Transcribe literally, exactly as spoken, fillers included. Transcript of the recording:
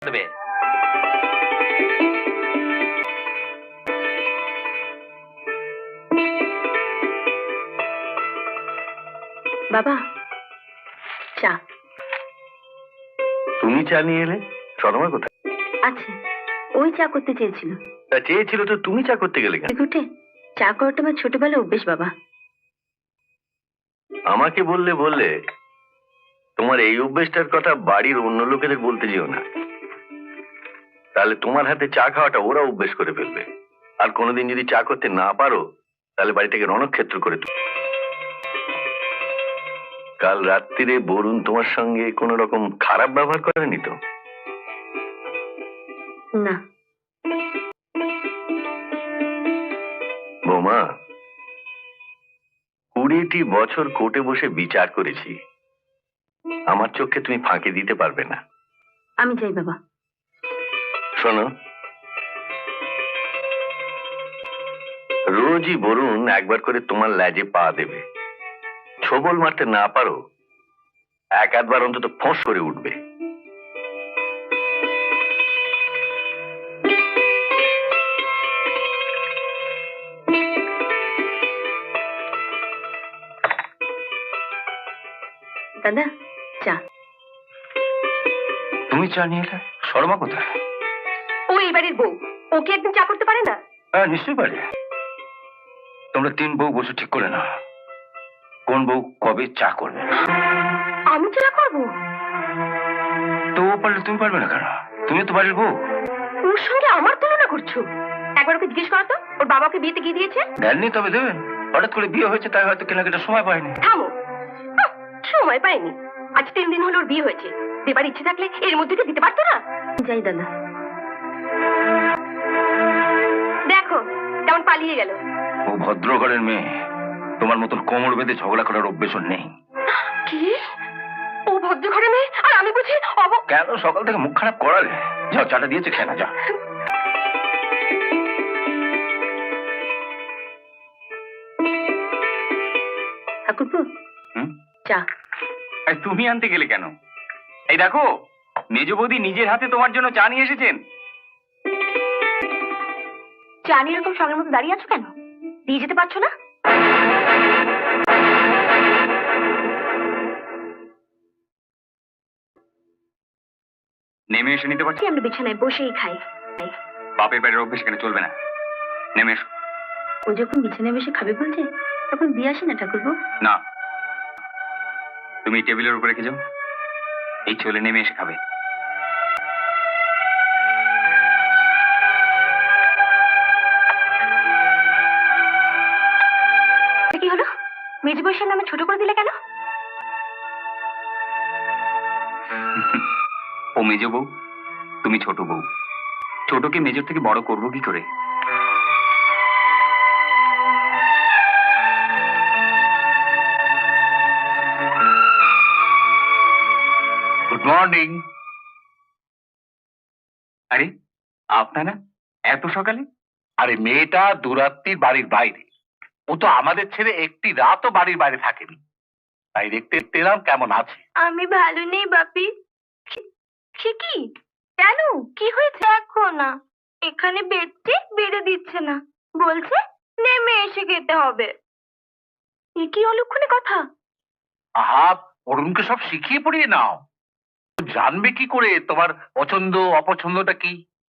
দেবে। বাবা, চা। তুমি চা নিয়ে এলে? সদমা কোথায়? আছে, ওই চা করতে চেয়েছিল। তা চেয়েছিল তো তুমি চা করতে গেলে কেন? উঠে চা করাটা আমার ছোটবেলায় অভ্যেস বাবা। আমাকে বললে বললে, তোমার এই অভ্যেসটার কথা বাড়ির অন্য লোকেদের বলতে যেও না, তাহলে তোমার হাতে চা খাওয়াটা ওরা অভ্যেস করে ফেলবে। আর কোনোদিন যদি চা করতে না পারো, তাহলে বাড়িটাকে রণক্ষেত্র করে তুলো। কাল রাত্রিরে বরুণ তোমার সঙ্গে কোনো রকম খারাপ ব্যবহার করেনি তো? না। বৌমা, কুড়িটি বছর কোর্টে বসে বিচার করেছি, আমার চোখে তুমি ফাঁকি দিতে পারবে না। আমি যাই বাবা। শোনো, রোজই বরুণ একবার করে তোমার ল্যাজে পা দেবে। ছোবল মারতে না পারো, এক আধবার অন্তত ফোঁস করে উঠবে। দাদা, চা। তুমি চা নিয়ে এলে? শর্মা কোথায়? ও এই বাড়ির বউ, ওকে একদিন চা করতে পারে না? হ্যাঁ, নিশ্চয়ই পারে। তোমরা তিন বউ বসে ঠিক করে না কোন বউ কবে চা করবে। আমি চা করবো? তো ও পারলে তুমি পারবে না কেন? তুমি তো বাড়ির বউ। ওর সঙ্গে আমার তুলনা করছো? একবার ওকে জিজ্ঞেস করো তো, ওর বাবাকে বিয়েতে গিয়ে দিয়েছে? দেননি, তবে দেবেন। হঠাৎ করে বিয়ে হয়েছে, তাই হয়তো কেনাকাটার সময় পায়নি। থামো, হাহ, সময় পাইনি। আজ তিন দিন হলো ওর বিয়ে হয়েছে, দেবার ইচ্ছে থাকলে এর মধ্যে কি দিতে পারতো না? যাই দাদা। দেখো কেমন পালিয়ে গেল। ও ভদ্র ঘরের মেয়ে, তোমার মতন কোমর বেঁধে ঝগড়া করার অভ্যেস ওর নেই। কি? ও ভদ্র ঘরে মেয়ে আর আমি বুঝি অব... কেন সকাল থেকে মুখ খারাপ করালে? যাও, চাটা দিয়েছে, খেয়ে না, যা। ঠাকুরপো, চা। তুমি আনতে গেলে কেন? এই দেখো, মেজ বৌদি নিজের হাতে তোমার জন্য চা নিয়ে এসেছেন। চা নিয়ে এরকম সঙ্গের মতো দাঁড়িয়ে আছো কেন? দিয়ে যেতে পারছো না? নেমে এসে নিতে পারছি। আমরা বিছানায় বসেই খাই। বাপের বাড়ির অভ্যেস এখানে চলবে না। নেমে এসো। ও যখন বিছানায় বসে খাবে বলছে, তখন দিয়ে আসি না ঠাকুরপো? না, তুমি টেবিলের উপর রেখে যাও, এই চলে নেমে এসে খাবে। কি হলো? মেজ বউয়ের নামে ছোট করে দিলে কেন? ও মেজ বউ, তুমি ছোট বউ। ছোটকে মেজর থেকে বড় করবো কি করে? Good morning. আরে আপনারা এত সকালে? আরে মেয়েটা দুরাত্রির বাড়ির বাইরে, ও তো আমাদের ছেড়ে একটি রাতও বাড়ির বাইরে থাকেনি, তাই দেখতে দেখতে এলাম কেমন আছে। আমি ভালো নেই বাপি। সে কি? কেন? কি হয়েছে? দেখো না, এখানে বেডটি বেড়ে দিচ্ছে না, বলছে নেমে এসে খেতে হবে। এ কি অলক্ষণে কথা? আহা, অরুণকে সব শিখিয়ে পড়িয়ে নাও। ও জানবে কি করে তোমার পছন্দ অপছন্দটা কি?